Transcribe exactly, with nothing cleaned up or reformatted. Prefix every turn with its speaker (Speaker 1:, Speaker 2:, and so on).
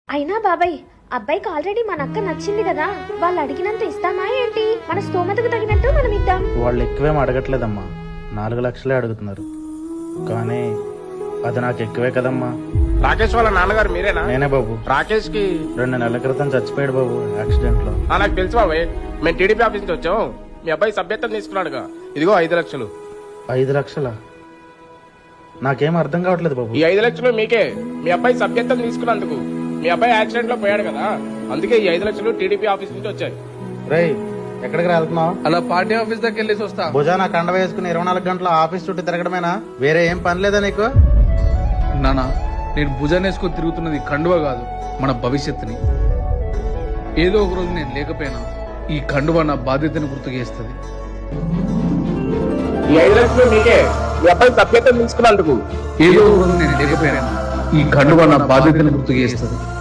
Speaker 1: అయినా బాబాయ్, అబ్బాయికి ఆల్రెడీ మన అక్క నచ్చింది కదా, వాళ్ళు అడిగినంత ఇస్తామా ఏంటి? మన స్తోమతకు తగినట్టు మనం ఇద్దాం.
Speaker 2: వాళ్ళు ఎక్కువేం అడగట్లేదమ్మా, నాలుగు లక్షలే అడుగుతున్నారు. కానీ అది నాకు ఎక్కువే కదమ్మా.
Speaker 3: రాకేష్ వాళ్ళ నాన్నగారు మీరేనా?
Speaker 2: నేనే బాబు.
Speaker 3: రాకేష్ కి
Speaker 2: రెండు నెలల క్రితం చచ్చిపోయాడు బాబు, యాక్సిడెంట్ లో.
Speaker 3: ఆ, నాకు తెలుసు బాబాయ్, మేము టీడీపీ ఆఫీస్ నుంచి వచ్చాం. మీ అబ్బాయి సభ్యత్వం తీసుకున్నాడుగా, ఇదిగో ఐదు లక్షలు.
Speaker 2: ఐదు లక్షలా? నాకేం అర్థం కావట్లేదు బాబు.
Speaker 3: ఈ ఐదు లక్షలు మీకే, మీ అబ్బాయి సభ్యత్వం తీసుకున్నందుకు. మీ అబ్బాయి యాక్సిడెంట్ లో పోయాడు కదా, అందుకే ఈ ఐదు లక్షలు టీడీపీ ఆఫీస్ నుంచి వచ్చాయి.
Speaker 2: రేయ్, ఎక్కడికి వెళ్తున్నావు?
Speaker 4: అలా పార్టీ ఆఫీస్ దగ్గర వెళ్ళేసి వస్తా.
Speaker 2: భుజాన కండ వేసుకుని ఇరవై నాలుగు గంటల ఆఫీస్ చుట్టూ తిరగడమేనా? వేరే ఏం పని లేదా నీకు?
Speaker 4: నానా, నేను భుజాన్ని వేసుకొని తిరుగుతున్నది కండువ కాదు, మన భవిష్యత్తుని. ఏదో ఒక రోజు నేను లేకపోయినా ఈ కండువ నా బాధ్యతను గుర్తు చేస్తుంది.
Speaker 3: ఈ ఐదు లక్షలు మీకే, మీ అబ్బాయి సభ్యత్వం తీసుకున్నందుకు.
Speaker 4: ఏదో ఒక రోజు నేను లేకపోయినా ఈ కండువ నా బాధ్యతను గుర్తు చేస్తుంది.